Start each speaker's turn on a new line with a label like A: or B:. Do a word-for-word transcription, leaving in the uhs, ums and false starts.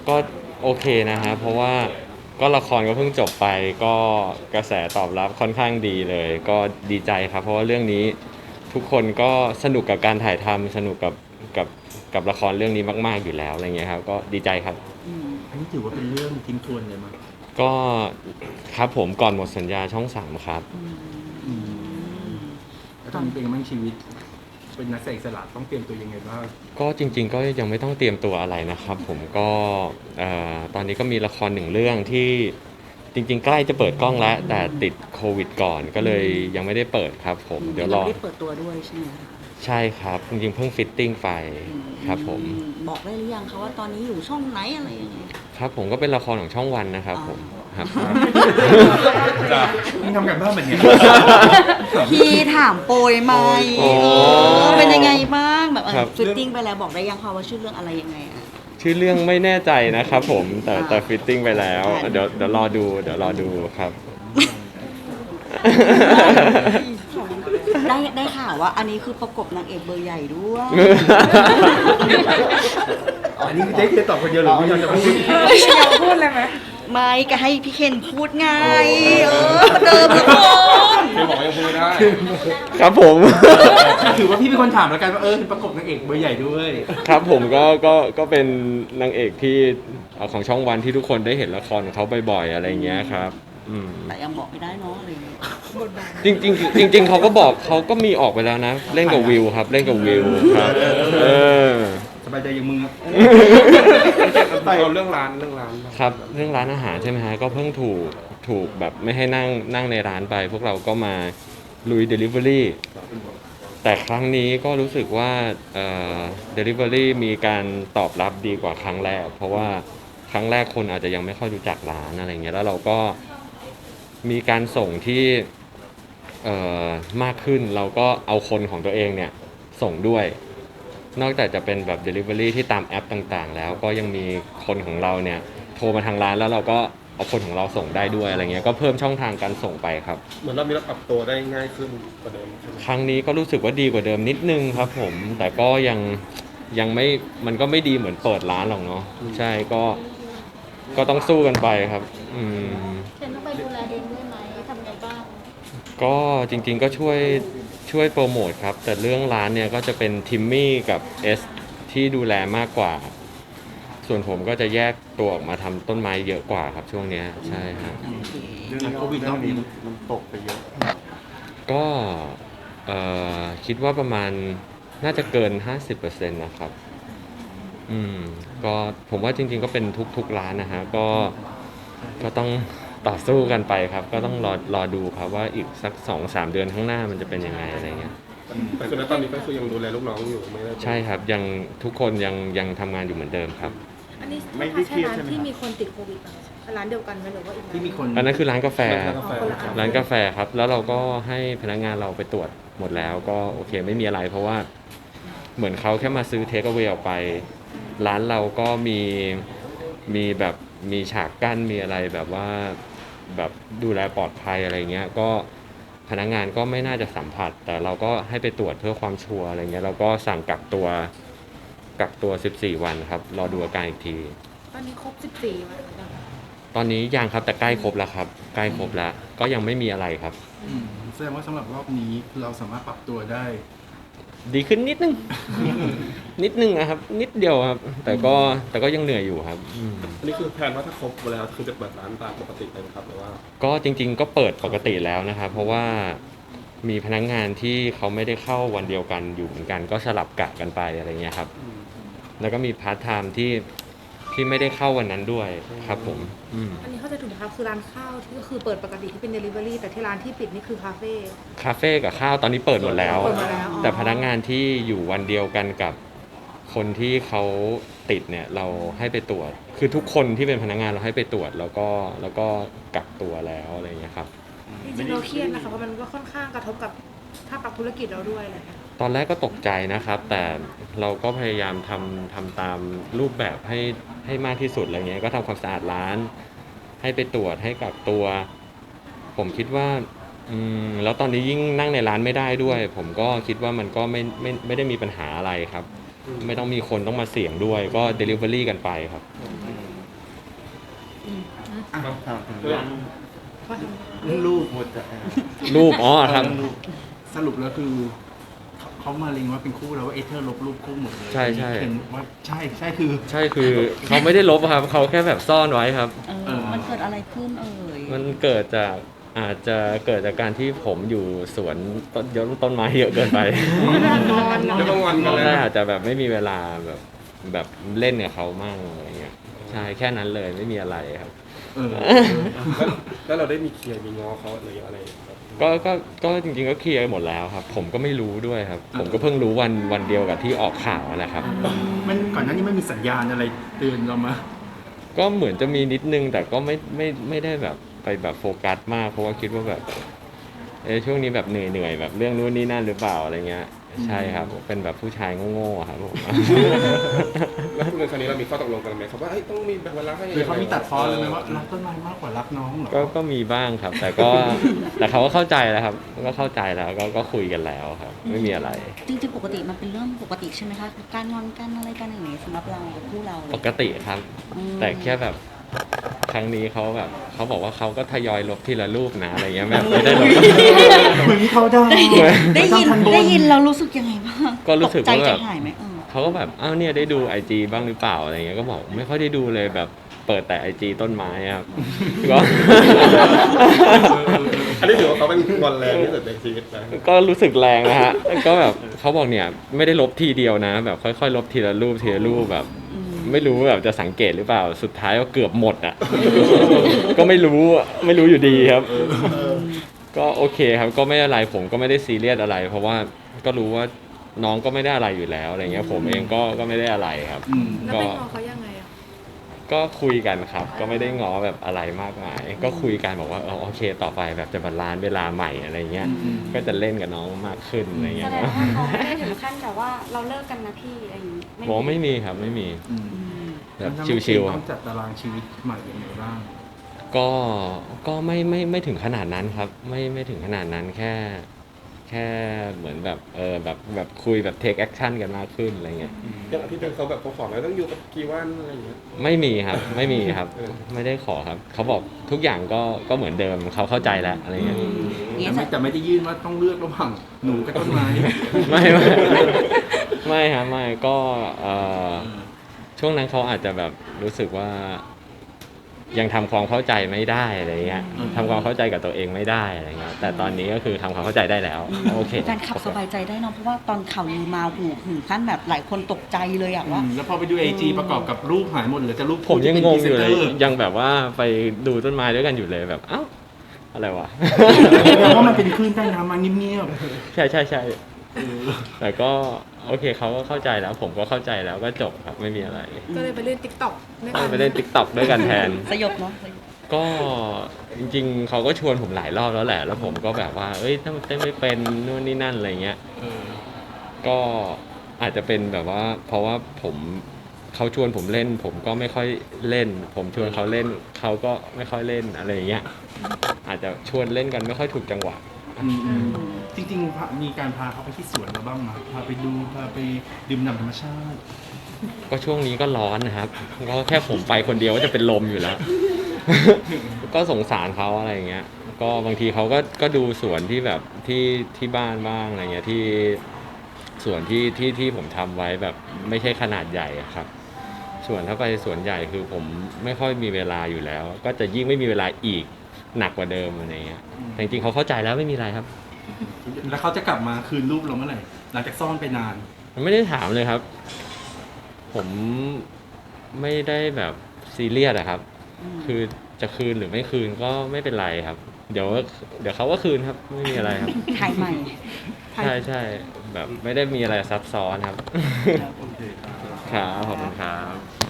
A: ก็โอเคนะฮะเพราะว่าก็ละครก็เพิ่งจบไปก็กระแสตอบรับค่อนข้างดีเลยก็ดีใจครับเพราะว่าเรื่องนี้ทุกคนก็สนุกกับการถ่ายทำสนุกกับกับกับละครเรื่องนี้มากๆอยู่แล้วอะไรเงี้ยครับก็ดีใจครับ
B: อืมอันนี้ถือว่าเป็นเรื่องทิ้งทวนเลยมั้ย
A: ก็ครับผมก่อนหมดสัญญาช่องสามครับ
B: อืมแล้วตอนนี้เป็นยังไงบ้างชีวิตเป็นนักแสดงอิสระต้องเตรียมตัวยังไงบ้าง
A: ก็จริงๆก็ยังไม่ต้องเตรียมตัวอะไรนะครับผมก็เอ่อตอนนี้ก็มีละครหนึ่งเรื่องที่จริงๆใกล้จะเปิดกล้องแล้วแต่ติดโควิดก่อนก็เลยยังไม่ได้เปิดครับผมเดี๋ยวรอ
C: ไม่ได้เปิดตัวด้วยใช่ไหมคะ
A: ใช่ครับจริงๆเพิ่งฟิตติ้งไปครับผม
C: บอกได้หรือยังคะว่าตอนนี้อยู่ช่องไหนอะไรยังไง
A: ครับผมก็เป็นละครของช่องวันนะครับผมครับ
B: จ้ะมึงทำกันบ้านแบบนี้
C: พี่ถามโปรยไหม
A: โอ้
C: เออเป็นยังไงบ้างแบบ
A: ครับ
C: ฟิตติ้งไปแล้วบอกได้ยังคะว่าชื่อเรื่องอะไรยังไงอะ
A: ชื่อเรื่องไม่แน่ใจนะครับผมแต่
C: อ่า
A: แต่ฟิตติ้งไปแล้ว
C: อ่า
A: เดี๋ยวเดี๋ยวรอดูเดี๋ยวรอดูครับ
C: ได้ได้ข่าวว่าอันนี้คือประกบนางเอกเบอร์ใหญ่ด้วย
B: อันนี้คือเจ๊เจ๊ตอบคนเดียวหรือพี่ยอนจะพูด
D: พูดเลยไหม
C: ไม่ก็ให้พี่เคนพูดไงเออประเดิมละคร
D: เคยบอกว่ายังพูดได้
A: ครับผม
B: ถือว่าพี่เป็นคนถามแล้วกันว่าเออเป็นประกบนางเอกเบอร์ใหญ่ด้วย
A: ครับผมก็ก็ก็เป็นนางเอกที่เอ่อของช่องวันที่ทุกคนได้เห็นละครของเขาบ่อยๆอะไรอย่างเงี้ยครับอืม
C: แต่ยังบอกไม่ได้เนาะอะไรอย่างเงี้ย
A: จริงๆจริงๆเขาก็บอกเขาก็มีออกไปแล้วนะ เล่นกับวิวครับ เล่นกับวิวครับเออ
B: สบายใจอย่างมึงอะ
D: เราเรื่องร้านเรื่องร้าน
A: ครับเรื่องร้านอาหารใช่ไหมฮะก็เพิ่งถูกถูกแบบไม่ให้นั่งนั่งในร้านไป พวกเราก็มาลุย Delivery แต่ครั้งนี้ก็รู้สึกว่าเอ่อ Delivery มีการตอบรับดีกว่าครั้งแรก เพราะว่าครั้งแรกคนอาจจะยังไม่ค่อยรู้จักร้านอะไรเงี้ยแล้วเราก็มีการส่งที่เอ่อมากขึ้นเราก็เอาคนของตัวเองเนี่ยส่งด้วย นอกจากจะเป็นแบบ Delivery ที่ตามแอปต่างๆ แล้วก็ยังมีคนของเราเนี่ยโทรมาทางร้านแล้วเราก็เอาคนของเราส่งได้ด้วยอะไรเงี้ยก็เพิ่มช่องทางการส่งไปครับ
D: เหมือนเรามีเราปรับตัวได้ง่ายขึ้นกว่าเดิมใช่ไหม
A: ครั้งนี้ก็รู้สึกว่าดีกว่าเดิมนิดนึงครับผมแต่ก็ยังยังไม่มันก็ไม่ดีเหมือนเปิดร้านหรอกเนาะใช่ก็ก็ต้องสู้กันไปครับอืม
E: เคนต้องไปดูแลเองด้วยไหมทำไงบ้าง
A: ก็จริงๆก็ช่วยช่วยโปรโมทครับแต่เรื่องร้านเนี่ยก็จะเป็นทิมมี่กับเอสที่ดูแลมากกว่า ส่วนผมก็จะแยกตัวออกมาทำต้นไม้เยอะกว่าครับช่วงเนี้ยใช่ครับ
B: เรื่องโควิดรอบนี้
D: มันตกไปเยอะ
A: ก็เอ่อคิดว่าประมาณน่าจะเกิน ห้าสิบเปอร์เซ็นต์ นะครับอืมก็ผมว่าจริงๆก็เป็นทุกๆร้านนะฮะก็ก็ต้องต่อสู้กันไปครับ ก็ต้องรอรอดูครับว่าอีกสัก สองสาม เดือนข้างหน้ามันจะเป็นยังไงอะไรเงี้ย
D: แต่คือณตอนนี้ก็คือยังดูแลลูกน้องอยู่ไม่ได้
A: ใช่ครับยังทุกคนยังยังทำงานอยู่เหมือนเดิมครับ
F: อันนี้
B: ไม่ได้เครียดใช่ไหม
F: ที่มีคนติดโควิดร้านเดียวกันไหมหรือว่าอีกร้าน
B: ที่มีคน
A: อันนั้นคือร้านกาแฟ
D: กาแฟ
A: ร้านกาแฟครับ แล้วเราก็ให้พนักงานเราไปตรวจหมดแล้วก็โอเคไม่มีอะไร เพราะว่าเหมือนเขาแค่มาซื้อเทคเอา a y ออกไป ร้านเราก็มีมีแบบมีฉากกั้นมีอะไรแบบว่าแบบดูแลปลอดภัยอะไรเงี้ยก็พนักงานก็ไม่น่าจะสัมผัส แต่เราก็ให้ไปตรวจเพื่อความชัวร์อะไรเงี้ยเราก็สั่งกักตัวกักตัวสิบสี่วันครับรอดูอาการอีกที
F: ตอนนี้ครบสิบสี่วันแล้ว
A: ตอนนี้ยังครับแต่ใกล้ครบแล้วครับใกล้ครบแล้วก็ยังไม่มีอะไรครับ
B: อืมแสดงว่าสำหรับรอบนี้เราสามารถปรับตัวได้
A: ดีขึ้นนิดนึง นิดนึงนะครับ นิดเดียวครับ แต่ก็แต่ก็ยังเหนื่อยอยู่ครับอืม
D: อันนี้คือแผนว่าถ้าครบแล้วคือจะเปิดร้านตามปกติเลยไหมครับหรือว่า
A: ก็จริงๆก็เปิดปกติแล้วนะครับ เพราะว่ามีพนักงานที่เขาไม่ได้เข้าวันเดียวกันอยู่เหมือนกัน ก็สลับกะกันไปอะไรเงี้ยครับ แล้วก็มีพาร์ทไทม์ที่ที่ไม่ได้เข้าวันนั้นด้วยครับผมอืม
F: อันนี้เข้าใจถูกไหมครับคือร้านข้าวที่ก็คือเปิดปกติที่เป็น Delivery แต่ที่ร้านที่ปิดนี่คือคาเฟ่
A: คาเฟ่กับข้าวตอนนี้เปิดหมดแล้ว
F: เปิดหมดแล้วอ๋อ
A: แต่พนักงานที่อยู่วันเดียวกันกับคนที่เขาติดเนี่ยเราให้ไปตรวจ คือทุกคนที่เป็นพนักงานเราให้ไปตรวจแล้วก็แล้วก็กักตัวแล้วอะไรอย่างเงี้ยครับ
F: จริงๆเราเครียดนะคะเพราะมันก็ค่อนข้างกระทบกับถ้าปรับธุรกิจเราด้วยอะไรอย่างเงี้ย
A: ตอนแรกก็ตกใจนะครับ แต่เราก็พยายามทำทำตามรูปแบบให้ให้มากที่สุดอะไรเงี้ยก็ทำความสะอาดร้าน ให้ไปตรวจให้กักตัว ผมคิดว่าอืมแล้วตอนนี้ยิ่งนั่งในร้านไม่ได้ด้วย ผมก็คิดว่ามันก็ไม่ไม่ไม่ได้มีปัญหาอะไรครับ ไม่ต้องมีคนต้องมาเสี่ยงด้วยก็ Delivery กันไปครับ
B: อ่ะถามถึงเรื่อง
F: พอท
B: เรื่องลูก
A: รูปอ๋อครับ
B: สรุปแล้วคือเขาเขามาเล็งว่าเป็นคู่แล้วว่าเอเธอร์ลบรูปคู่หมดเลย
A: ใช่ใช่
B: เห็นว่าใช่ใช่คือ
A: ใช่คือเขาไม่ได้ลบครับเขาแค่แบบซ่อนไว้ครับ
C: เอ
B: เอ
C: อ
B: อ
C: มันเกิดอะไรขึ้นเอ่ย
A: มันเกิดจากอาจจะเกิดจากการที่ผมอยู่สวนต้นยนต้นไม้เยอะเกินไป
D: แล้วบางวันกันเลย
A: ใช่อาจจะแบบไม่มีเวลาแบบแบบเล่นกับเขามั่งอะไรเงี้ยใช่แค่นั้นเลยไม่มีอะไรครับ
B: เออ
D: แล้วแล้วเราได้มีเคลียร์มีง้อเขาหรืออะไรแบบ
A: ก็ก็ก็จริงๆก็เคลียร์หมดแล้วครับ ผมก็ไม่รู้ด้วยครับ ผมก็เพิ่งรู้วันวันเดียวกับที่ออกข่าวนั่นแหละครับ
B: มันก่อนหน้านี้ไม่มีสัญญาณอะไรเตือนเรามา
A: ก็เหมือนจะมีนิดนึงแต่ก็ไม่ไม่ไม่ได้แบบไปแบบโฟกัสมากเพราะว่าคิดว่าแบบเออช่วงนี้แบบเหนื่อยเหนื่อยๆแบบเรื่องนู้นนี่นั่นหรือเปล่าอะไรเงี้ยใช่ครับเป็นแบบผู้ชายโง่ๆอะครับผม
D: แล้วคุณในครั้งนี้เรามีข้อตกลงกันไหมครับว่าเอ้ยต้องมีเวลาให้
B: หรือเขามีตัดฟ้อนเลยไหมว่ารักต้นไม้มากกว่ารักน้องเหรอ
A: ก็ก็มีบ้างครับ แต่ก็ แต่เขาก็เข้าใจแล้วครับก็เข้าใจแล้วก็ก็คุยกันแล้วครับ ไม่มีอะไร
C: จริงๆปกติมันเป็นเรื่องปกติใช่ไหมคะการงอนกันอะไรกันอย่างนี้สำหรับเราคู่เรา
A: ปกติครับ
C: อืม
A: แต่แค่แบบครั้งนี้เขาแบบเขาบอกว่าเขาก็ทยอยลบทีละรูปนะอะไรเงี้ยแบบไม่ได้ลบ
B: เหมือนที่เขาได้
C: ได้ยิน
B: ม่ต้องทับ
C: ได้ยินเรารู้สึกยังไงบ้าง
A: ก็รู้สึก
C: ตใจ
A: ว่าแบบ
C: ใจหายไหมเออ
A: เขาก็แบบอ้าวเนี่ยได้ดูไอจีบ้างหรือเปล่าอะไรเงี้ยก็บอกไม่ค่อยได้ดูเลยแบบเปิดแต่ไอจีต้นไม้ครับ ก็
D: อันนี้ถือว่าเขาเป็นงอนแรงที่สุดในชีวิตนะ
A: ก็รู้สึกแรงนะฮะก็แบบเขาบอกเนี่ยไม่ได้ลบทีเดียวนะ แบบค่อยๆ ลบทีละรูปทีละรูปแบบ ไม่รู้แบบจะสังเกตหรือเปล่าสุดท้ายก็เกือบหมดอ่ะ ก็ไม่รู้ไม่รู้อยู่ดีครับ ก็โอเคครับก็ไม่อะไรผมก็ไม่ได้ซีเรียสอะไร เพราะว่าก็รู้ว่าน้องก็ไม่ได้อะไรอยู่แล้วอะไรเงี้ยผมเองก็ก็ไม่ได้อะไรครับ
B: อืม
F: ำแล้ว
A: ก็
F: ไปงอเขายังไงอ่ะ
A: ก็คุยกันครับ ก็ไม่ได้ง้อแบบอะไรมากมาย ก็คุยกันบอกว่าเออโอเคต่อไปแบบจะบาลานซ์เวลาใหม่อะไรเงี้ย
B: อืม
A: ก็จะเล่นกับน้องมากขึ้นอะไร
G: แส
A: เงี้ย
G: ดงว่าเขาไม่ได้ถึงขั้นแบบว่าเราเลิกกันนะพี่อะไรอย่างนี้
A: ผมไม่มีครับไม่มี
B: อืม
A: แบบ
B: มันทำให้
A: ชิวๆค
B: ต้
A: รั
B: อบ งจัดตารางชีวิตใหม่ยังไงบ้าง
A: ก็ก็ไม่ไม่ไม่ถึงขนาดนั้นครับ ไม่ไม่ถึงขนาดนั้นแค่ แค่เหมือนแบบเออแบบแบบคุยแบบเทคแอคชั่นกันมากขึ้นอะไรเงี้ย
D: อย่างอาทิตย์หนึงเขาแบบเขาขอแล้วต้องอยู่กับกี่วันอะไรอย่างเงี้ย
A: ไม่มีครับไม่มีครับ
D: เออ
A: ไม่ได้ขอครับ เขาบอกทุกอย่างก็ก็เหมือนเดิมเขาเข้าใจแล้วอะไรเงี้ย
B: แต่ไม่แต่ไม่ได้ยื่นว่าต้องเลือกระหว่างหนูกับต้นไม้
A: ไม่ไม่ไม่ครับไม่ก็เอ่อช่วงนั้นเขาอาจจะแบบรู้สึกว่า ยังทำความเข้าใจไม่ได้อะไรเงี้ย
B: อืม
A: ทำความเข้าใจกับตัวเองไม่ได้อะไรเงี้ยแต่ตอนนี้ก็คือทำความเข้าใจได้แล้วโอเค
C: แฟนขับสบายใจได้เนอะเพราะว่าตอนข่าวลือมาหูถึงขั้นแบบหลายคนตกใจเลยอะว่า
B: อืมแล้วพอไปดูไอจีประกอบกับรูปหายหมดเหลือแต่รูป
A: ผมยังงงอยู่เลย
B: ที่ป็นพรีซนตอร์
A: ยังแบบว่าไปดูต้นไม้ด้วยกันอยู่เลยแบบเอ้าอะไรวะ
B: เพราะมันเป็นคลื่นใต้น้ำมาเงียบ
A: ใช่ใช่ใช่
B: ๆเออ
A: แต่ก็โอเคเขาก็เข้าใจแล้ว ผมก็เข้าใจแล้วก็จบครับไม่มีอะไร
F: ก็เลยไปเล่นติ๊กต็อกด้วยกัน
A: ไปเล่นติ๊กต็อกด้วยกันแทน
C: สยบเนาะสยบ
A: ก็จริงๆเขาก็ชวนผมหลายรอบแล้วแหละ แล้วผมก็แบบว่า เอ้ยถ้าเต้นไม่เป็นนู่นนี่นั่นอะไรเงี้ย
B: เออ
A: ก็อาจจะเป็นแบบว่า เพราะว่าผมเขาชวนผมเล่น ผมก็ไม่ค่อยเล่น ผมชวนเขาเล่นเขาก็ไม่ค่อยเล่นอะไรอย่างเงี้ยอาจจะชวนเล่นกันไม่ค่อยถูกจังหวะ
B: อืมอืมจริงๆพามีการพาเขาไปที่สวนเราบ้างไหมพาไปดูพาไปดื่มด่ำธรรมชาติ
A: ก็ช่วงนี้ก็ร้อนนะครับ ก็แค่ผมไปคนเดียวก็จะเป็นลมอยู่แล้ว ก็สงสารเขาอะไรอย่างเงี้ย ก็บางทีเขาก็ก็ดูสวนที่แบบที่ที่บ้านบ้างอะไรเงี้ยที่สวนที่ที่ที่ผมทำไว้แบบไม่ใช่ขนาดใหญ่อะครับ ส่วนถ้าไปสวนใหญ่คือผมไม่ค่อยมีเวลาอยู่แล้ว ก็จะยิ่งไม่มีเวลาอีกหนักกว่าเดิมอะไรเงี้ยแต่จริงๆเขาเข้าใจแล้วไม่มีอะไรครับ
B: แล้วเขาจะกลับมาคืนรูปเราเมื่อไหร่หลังจากซ่อนไปนาน
A: ไม่ได้ถามเลยครับ ผมไม่ได้แบบซีเรียสอะครับ คือจะคืนหรือไม่คืนก็ไม่เป็นไรครับ เดี๋ยวเดี๋ยวเขาก็คืนครับ ไม่มีอะไรครับ
C: ถ่ายใหม่
A: ใช่ใช่แบบไม่ได้มีอะไรซับซ้อนครับ
B: โอเคครับ
A: ครับขอบคุณครับ